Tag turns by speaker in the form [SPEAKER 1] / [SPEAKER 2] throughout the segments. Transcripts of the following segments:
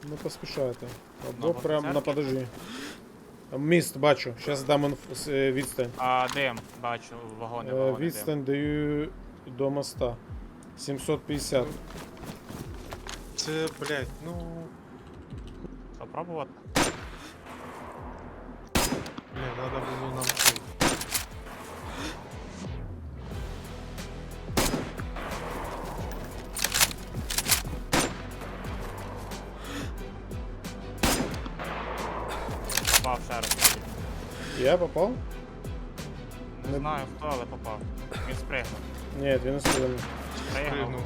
[SPEAKER 1] Не поспішайте. Або
[SPEAKER 2] Ну,
[SPEAKER 1] прям на
[SPEAKER 2] церкві?
[SPEAKER 1] подожди. Міст бачу. Зараз дам відстань.
[SPEAKER 2] Дим, бачу, вагони, дим.
[SPEAKER 1] Відстань даю до моста. 750.
[SPEAKER 3] Це, блядь, ну...
[SPEAKER 2] Попробувати?
[SPEAKER 3] Бля, надо було нам цей.
[SPEAKER 2] Попав ще раз.
[SPEAKER 1] Я попав?
[SPEAKER 2] Не знаю хто, але попав. Він спригнув.
[SPEAKER 1] Ні, він не стрільнув.
[SPEAKER 2] Спригнув.
[SPEAKER 3] Пригнув.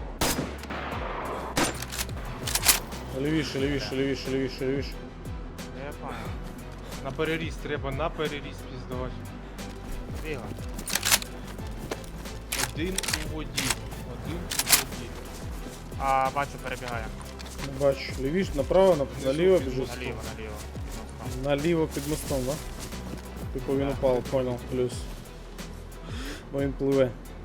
[SPEAKER 1] Лівіше, лівіше, лівіше, лівіше, лівіше.
[SPEAKER 2] Я понял.
[SPEAKER 3] На переріз, треба на переріз піздавати.
[SPEAKER 2] Бігла.
[SPEAKER 3] Один у воді. Один у воді.
[SPEAKER 2] Бачу, перебігає.
[SPEAKER 1] Не бачу. Лівіше, направо, наліво
[SPEAKER 3] під
[SPEAKER 1] біжить.
[SPEAKER 3] мостом.
[SPEAKER 2] Наліво, наліво. Під мостом.
[SPEAKER 1] Наліво під мостом, да? Типу він
[SPEAKER 2] Да.
[SPEAKER 1] упав, понял, плюс. Бо він пливе.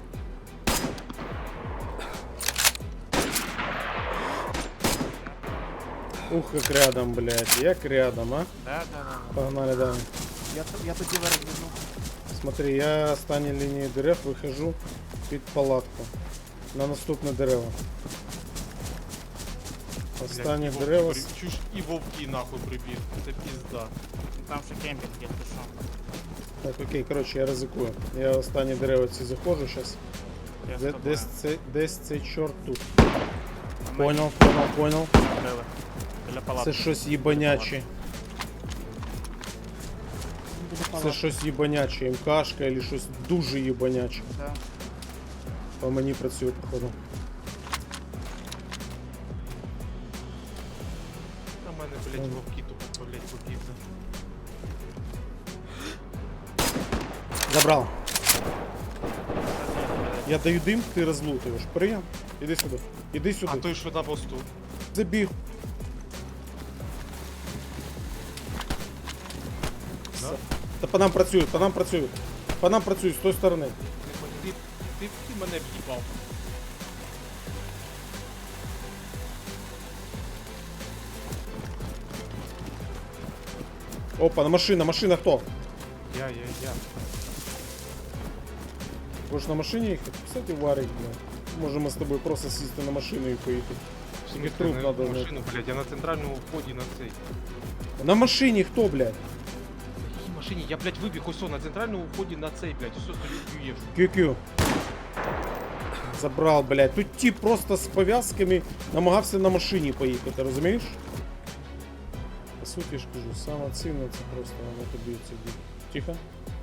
[SPEAKER 1] Ух, як рядом, блядь, як рядом, а?
[SPEAKER 2] Да.
[SPEAKER 1] Погнали далі.
[SPEAKER 2] Я тоді виробіжу.
[SPEAKER 1] Смотри, я останній лінії дерев вихожу під палатку. На наступне дерево. Останні
[SPEAKER 3] Блядь,
[SPEAKER 1] дерева.
[SPEAKER 3] вовки чуш і вовки нахуй прибіг. Це пізда.
[SPEAKER 2] Там ще кемпінг є, ти що?
[SPEAKER 1] Так, окей, коротше, я ризикую. Я останні дерева ці заходжу зараз.
[SPEAKER 2] Я з тобою.
[SPEAKER 1] Десь цей чорт тут.
[SPEAKER 2] Ми
[SPEAKER 1] Понял.
[SPEAKER 2] били. Біля палатки.
[SPEAKER 1] Це щось їбаняче. Це щось їбаняче. МКшка або щось дуже їбаняче.
[SPEAKER 2] Да.
[SPEAKER 1] По мені працює, походу.
[SPEAKER 3] На мене, блядь, вовки тупо, блядь, побігли.
[SPEAKER 1] Забрал. Я даю дым, ты разлутываешь. Прием. Иди сюда. Иди сюда.
[SPEAKER 3] А той, що на мосту.
[SPEAKER 1] Забіг.
[SPEAKER 3] Да?
[SPEAKER 1] Та по нам працюють, По нам працюють з тої сторони.
[SPEAKER 3] Ти мене в'їбав.
[SPEAKER 1] Опа, машина хто?
[SPEAKER 3] Я.
[SPEAKER 1] Будеш на машині їхати? Кстати, варить, блядь. Можемо з тобою просто сісти на машину і поїхати. Тільки труп
[SPEAKER 3] на
[SPEAKER 1] надо
[SPEAKER 3] машину, блядь, я на центральному вході на цей.
[SPEAKER 1] На машині хто, блядь?
[SPEAKER 3] На якій машині? Я, блядь, вибіг ось на центральному вході на цей, блядь, ось стою юєш.
[SPEAKER 1] QQ. Забрал, блядь. Тут тип просто з пов'язками намагався на машині поїхати, розумієш? По суті ж кажу, саме цінне це просто на тобі це діти. Тихо.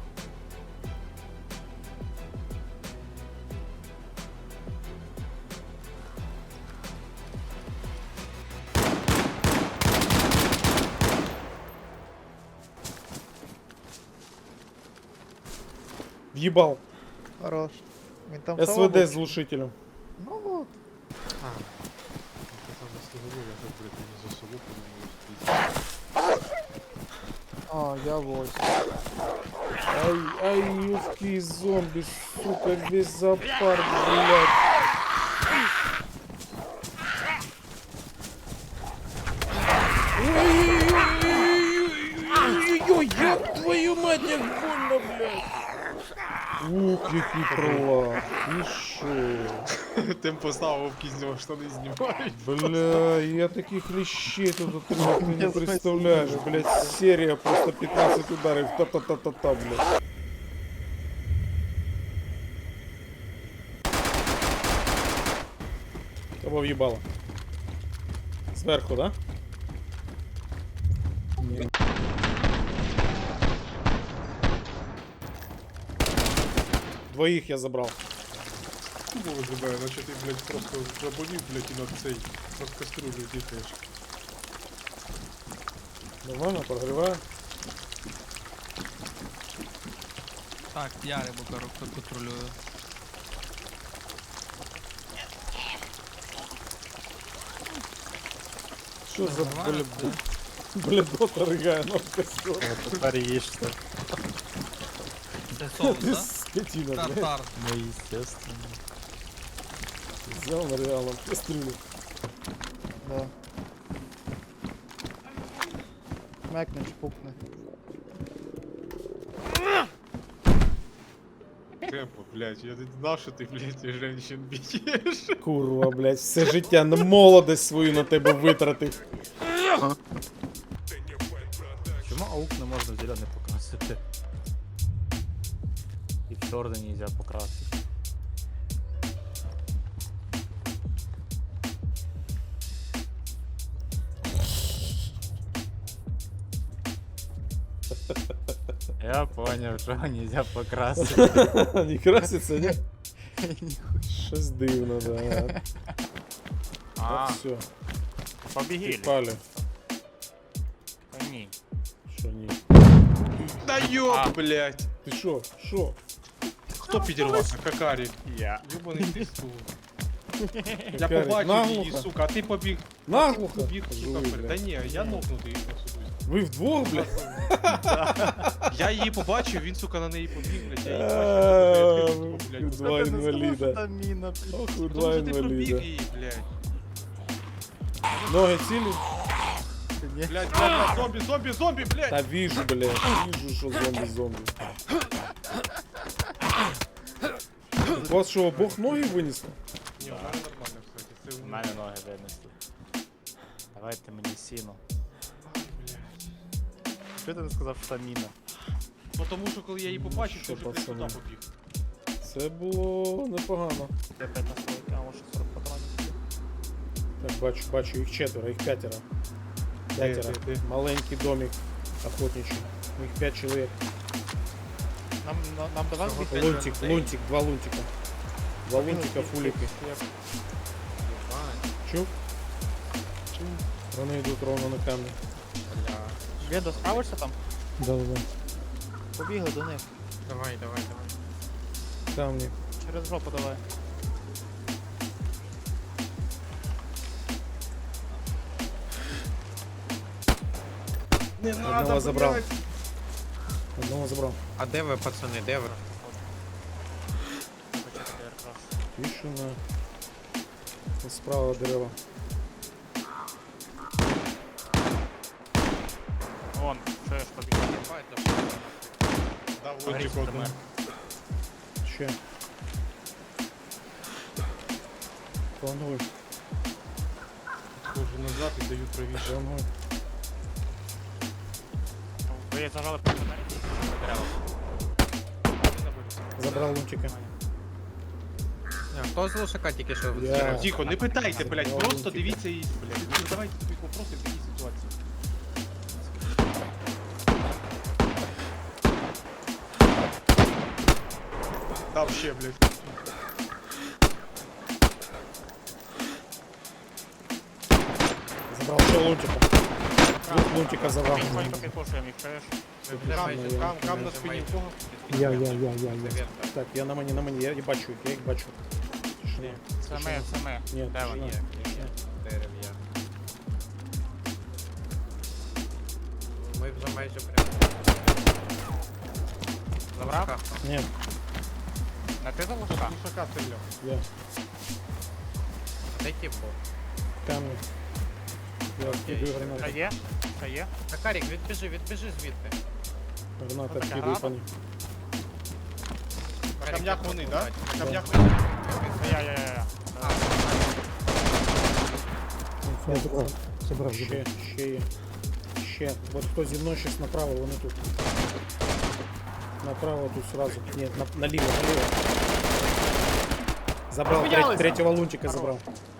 [SPEAKER 1] В'їбал.
[SPEAKER 4] Хорош. Він там
[SPEAKER 1] СВД
[SPEAKER 4] слава
[SPEAKER 1] з глушителем.
[SPEAKER 4] Ну от.
[SPEAKER 3] А. Це не слугово, я так, блядь, не за собою подумав.
[SPEAKER 4] А, я вось.
[SPEAKER 1] Ай, юбки зомби, сука, весь зоопарк, блядь. Ой-ой-ой, ёб твою мать, як больно, блядь. Ух, який пролав. І шо?
[SPEAKER 3] Тим поставив вовки з нього штани знімають.
[SPEAKER 1] Бля, я таких лещей тут отримав, ти не представляєш, блядь, серія просто 15 ударів, та-та-та-та-та, блядь. Кого в'їбало? Зверху, да? Ні. Двоїх я забрав.
[SPEAKER 3] Кубово забирає, наче ти, блядь, просто заболів, блядь, і на цей, на каструлю дітаєш.
[SPEAKER 1] Нормально, прогріваю.
[SPEAKER 5] Так, я рибу контролюю.
[SPEAKER 1] Що за
[SPEAKER 5] Нормально,
[SPEAKER 1] блядота ригає на костер?
[SPEAKER 6] Тепер їжте.
[SPEAKER 5] Це соус,
[SPEAKER 1] Ти
[SPEAKER 5] да?
[SPEAKER 1] скотина, блядь.
[SPEAKER 5] Тартар.
[SPEAKER 6] Ну, естественно.
[SPEAKER 1] Взял на реалом кастрюлю.
[SPEAKER 4] Да. Шмекне, чпукне.
[SPEAKER 3] Темпо, блядь, я не знав, що ти, блядь, женщин б'єш.
[SPEAKER 1] Курва, блядь, все життя на молодость свою на тебе витратив.
[SPEAKER 6] Чому аук не можна в зелений покрасити? І в чорний нельзя покрасити. Я понял, що нельзя покрасити.
[SPEAKER 1] Не краситься, ні? Щось дивно, да.
[SPEAKER 2] А,
[SPEAKER 1] Так, все,
[SPEAKER 2] побігілі.
[SPEAKER 1] пали.
[SPEAKER 2] Та ні.
[SPEAKER 1] Що ні?
[SPEAKER 3] Да ёб, блядь.
[SPEAKER 1] Ти що? Що?
[SPEAKER 3] Хто підірвався? Какарі.
[SPEAKER 2] Я.
[SPEAKER 3] Юбаний ти сука. Я
[SPEAKER 1] Какарі,
[SPEAKER 3] побачив її,
[SPEAKER 1] наглухо?
[SPEAKER 3] сука, а ти побіг.
[SPEAKER 1] Наглухо?
[SPEAKER 3] Побіг, сука,
[SPEAKER 1] Жуй,
[SPEAKER 3] вперед. Та
[SPEAKER 1] блядь.
[SPEAKER 3] ні, я нокнутий особисто.
[SPEAKER 1] Ви вдвох, блядь?
[SPEAKER 3] Я її побачив, він, сука, на неї побіг, блядь, я її
[SPEAKER 1] А,
[SPEAKER 3] бачив.
[SPEAKER 1] ви
[SPEAKER 3] Блядь,
[SPEAKER 1] Два інваліда.
[SPEAKER 6] міна.
[SPEAKER 1] Ох, ви
[SPEAKER 3] Тому
[SPEAKER 1] два
[SPEAKER 3] що ти пробіг
[SPEAKER 1] інваліда.
[SPEAKER 3] її, блядь.
[SPEAKER 1] Ноги цілі?
[SPEAKER 3] Блядь, блядь, зомбі, зомбі, зомбі, блядь.
[SPEAKER 1] Та віжу, блядь. Віжу, що зомбі. У вас що, обох ноги винесло?
[SPEAKER 3] Ні, у мене нормально, кстати. Це
[SPEAKER 6] У мене ноги винесли. Давайте мені сіно. Що ти не сказав, що там міна?
[SPEAKER 3] Ну тому що коли я її побачив,
[SPEAKER 1] Що,
[SPEAKER 3] то вже, блядь,
[SPEAKER 1] пацани?
[SPEAKER 3] туди побіг.
[SPEAKER 1] Це було непогано.
[SPEAKER 6] Я 5 на стойки, а може 40 патронів.
[SPEAKER 1] Так, бачу, їх четверо, їх п'ятеро. П'ятеро.
[SPEAKER 3] Де?
[SPEAKER 1] Маленький домик охотничий. Їх 5 чоловік.
[SPEAKER 4] Нам давай
[SPEAKER 1] Лунтик, два лунтика. Два лунтика, фулики. Чув? Вони йдуть ровно на камні.
[SPEAKER 4] Ведо, справишся там?
[SPEAKER 1] Да.
[SPEAKER 4] Побігли до них.
[SPEAKER 3] Давай, давай, давай.
[SPEAKER 1] Камні.
[SPEAKER 4] Через жопу давай.
[SPEAKER 3] Не
[SPEAKER 1] Одного забрав. Одного забрав.
[SPEAKER 7] А де ви, пацани, де ви?
[SPEAKER 1] Тишина. Справа дерева.
[SPEAKER 2] Вон, що я ж побіг.
[SPEAKER 3] Дав
[SPEAKER 2] Горіть,
[SPEAKER 3] лунтик одному.
[SPEAKER 1] Ще. Плануй.
[SPEAKER 3] Хожу назад і даю правіше.
[SPEAKER 1] Плануй.
[SPEAKER 2] Ви зажали по мене. Дерева.
[SPEAKER 1] Забрав лунтика.
[SPEAKER 7] Хто з лошака тільки що
[SPEAKER 1] Я.
[SPEAKER 7] зробив?
[SPEAKER 3] Тихо, не питайте, блядь,
[SPEAKER 1] Забрав
[SPEAKER 3] просто
[SPEAKER 1] лунтика.
[SPEAKER 3] дивіться і, блядь. Ну, задавайте тобі вопроси в такій ситуації. Дав ще, блядь.
[SPEAKER 1] Забрав ще лунтика. Лунтика забрав.
[SPEAKER 2] Ми тихонько підпушуємо їх, чуєш?
[SPEAKER 3] Кам на спині в кого?
[SPEAKER 1] Я. Так, я на мені, я бачу їх, я їх бачу. Тишина.
[SPEAKER 2] Це ми.
[SPEAKER 1] Ні,
[SPEAKER 2] Де вони?
[SPEAKER 1] тишина.
[SPEAKER 7] Дерев'я. Ми вже майже прямо.
[SPEAKER 2] Забрав?
[SPEAKER 1] Ні,
[SPEAKER 2] На ти за лужка?
[SPEAKER 3] Лушака стріляв.
[SPEAKER 1] я.
[SPEAKER 7] Де ті був?
[SPEAKER 1] Камні. Я кидаю
[SPEAKER 2] Що
[SPEAKER 1] гранати.
[SPEAKER 2] є? Що є?
[SPEAKER 7] Какарік, відбіжи звідти.
[SPEAKER 1] Гранати
[SPEAKER 2] Така
[SPEAKER 1] кидаю
[SPEAKER 2] граната?
[SPEAKER 1] по ним.
[SPEAKER 3] На камнях вони, да? На камнях
[SPEAKER 1] Да.
[SPEAKER 3] вони.
[SPEAKER 2] Я.
[SPEAKER 1] Ще є. Ще. От хто зі мною щас направо, вони тут. Направо тут сразу. Ні, наліво. Забрав, третього лунтика забрав.